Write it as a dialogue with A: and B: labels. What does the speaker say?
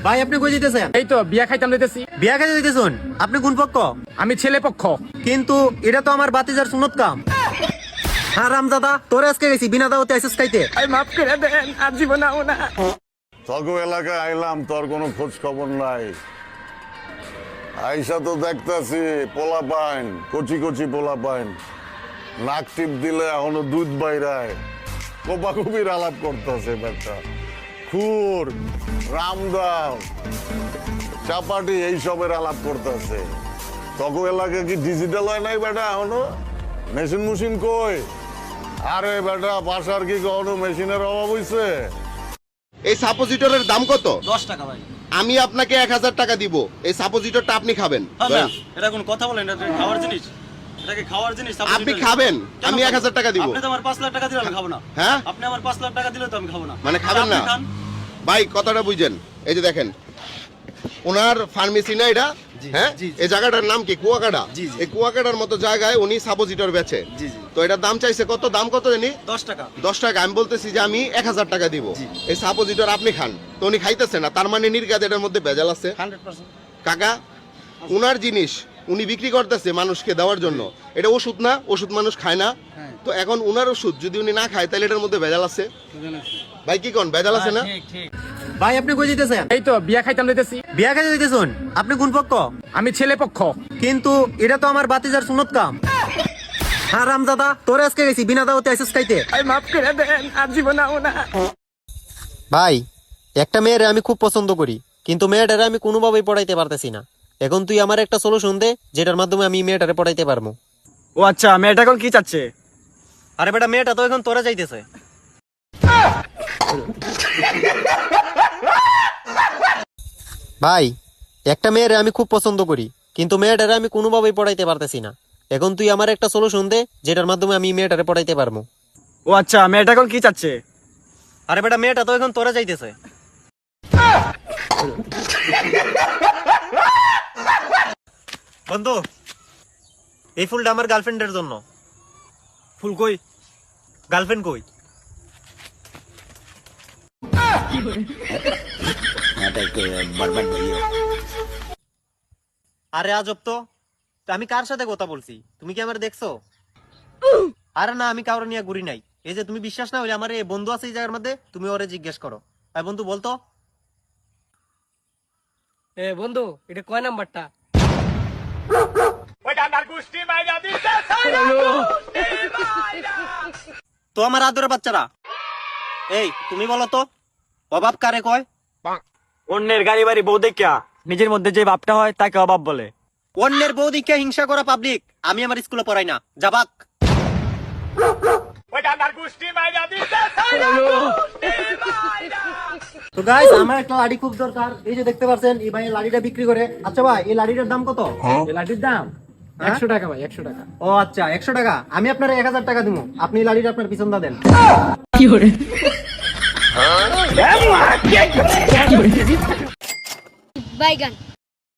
A: ভাই আপনি কই যেতেছেন?
B: এই তো বিয়া খাইতাম যাইতেছি।
A: বিয়া খাইতে যেতেছেন? আপনি কোন পক্ষ?
B: আমি ছেলে পক্ষ।
A: কিন্তু এটা তো আমার বাতিজার সুন্নত কাম। হারামজাদা, তোরে আজকে গেছি বিনা দাওয়াতে আইসিস খাইতে।
B: এই মাফ করে দেন, আর জীবন আও না।
C: তগো এলাকায় আইলাম, তোর কোনো খোঁজ খবর নাই। আইসা তো দেখতাছি পোলা পাইন, কচি কচি পোলা পাইন, নাক টিপ দিলে এখনো দুধ বাইরায়, কোপাকুপির আলাপ করতেছে বেটা। খুর, রামদাও, চাপাটি এইসবের আলাপ করতেছে। তগো এলাকায় কি ডিজিটাল হয় নাই বেটা এখনো? মেশিন মুশিন কই? আরে বেটা বাসার কি কখনো মেশিনের অভাব হইছে?
D: এই সাপোজিটরের দাম কত?
E: 10 টাকা ভাই।
D: আমি আপনাকে 1000 টাকা দিব, এই সাপোজিটরটা আপনি খাবেন।
E: হ্যাঁ না, এটা কোন কথা বলেন? এটা খাওয়ার জিনিস, এটাকে খাওয়ার জিনিস।
D: আপনি খাবেন, আমি 1000 টাকা দিব।
E: আপনি তো আমার 5 লাখ টাকা দিলে আমি খাবো না।
D: হ্যাঁ,
E: আপনি আমার 5 লাখ টাকা দিলে তো আমি খাবো না।
D: মানে খাবেন না? ভাই কথাটা বুঝেন, এই যে দেখেন ওনার ফার্মেসি না এটা, হ্যাঁ এই জায়গাটার নাম কি? কুয়াকাটা। এই কুয়াকাটার মতো জায়গায় উনি সাপোজিটর বেচে। তো এটার দাম চাইছে কত? দাম কত জানি?
E: 10 টাকা।
D: 10 টাকা। আমি বলতেছি যে আমি 1000 টাকা দিব, এই সাপোজিটর আপনি খান। তো উনি খাইতেছে না, তার মানে নির্গাত এটার মধ্যে ভেজাল আছে।
E: 100%।
D: কাকা, উনার জিনিস উনি বিক্রি করতেছে মানুষকে দেওয়ার জন্য। এটা ওষুধ না, ওষুধ মানুষ খায় না। তো এখন উনার ওষুধ যদি উনি না খায় তাহলে এটার মধ্যে ভেজাল আছে। ভাই কি কোন ভেজাল আছে না?
E: ঠিক ঠিক।
A: ভাই আপনি কই যেতেছেন?
B: এই তো বিয়া খাইতাম যাইতেছি।
A: বিয়া খাইতে যেতেছেন? আপনি কোন পক্ষ?
B: আমি ছেলে পক্ষ।
A: কিন্তু এটা তো আমার বাতিজার সুন্নত কাম। হারামজাদা, তোরে আজকে গেছি বিনা দাওয়াতে আইসিস খাইতে।
B: এই মাফ করে দেন, আর জীবন আও না।
A: ভাই একটা মেয়েরে আমি খুব পছন্দ করি, কিন্তু মেয়েটারে আমি কোনোভাবেই পড়াইতে পারতেছি না। এখন তুই আমার একটা সলিউশন দে, যেটার মাধ্যমে আমি মেয়েটারে পড়াইতে পারবো।
E: ও আচ্ছা, মেয়েটা এখন কি চাচ্ছে?
A: আরে বেটা, মেয়েটা তো এখন তোরা যাইতেছে। ভাই একটা মেয়েরে আমি খুব পছন্দ করি, কিন্তু মেয়েটারে আমি কোনোভাবেই পড়াইতে পারতেছি না। এখন তুই আমার একটা সলিউশন দে, যেটার মাধ্যমে আমি মেয়েটারে পড়াইতে পারবো।
E: ও আচ্ছা, মেয়েটা এখন কি চাচ্ছে?
A: আরে বেটা, মেয়েটা তো এখন তোরা যাইতেছে। বন্ধু, এই ফুলটা আমার গার্লফ্রেন্ডের জন্য।
E: ফুল কই?
A: গার্লফ্রেন্ড কই? আরে আজব তো, আমি কার সাথে কথা বলছি? তুমি কি আমার দেখছো? আরে না, আমি কাউরে নিয়ে ঘুরি নাই। এই যে তুমি বিশ্বাস না হইলে আমার এই বন্ধু আছে এই জায়গার মধ্যে, তুমি ওরে জিজ্ঞেস করো। ভাই বন্ধু বলতো।
F: এ বন্ধু, এটা কয় নাম্বারটা?
A: তো আমার আদরের বাচ্চারা, এই তুমি বলো তো, অভাব কারে কয়?
E: অন্যের গাড়ি বাড়ি বউ দেখা নিজের মধ্যে যে ভাবটা হয় তাকে অভাব বলে।
A: অন্যের বউ দীক্ষা হিংসা করা পাবলিক আমি আমার স্কুলে পড়াই না, যাবাক। তো গাইস, আমার একটা লাড়ি খুব দরকার। এই যে দেখতে পাচ্ছেন এই ভাই লাড়িটা বিক্রি করে। আচ্ছা ভাই, এই লাড়িটার দাম কত?
B: এই লাঠির দাম 100 টাকা ভাই, 100 টাকা।
A: ও আচ্ছা, 100 টাকা। আমি আপনার 1000 টাকা দিব, আপনি এই লাড়িটা আপনার পিছন দা দেন।
G: বাইগান।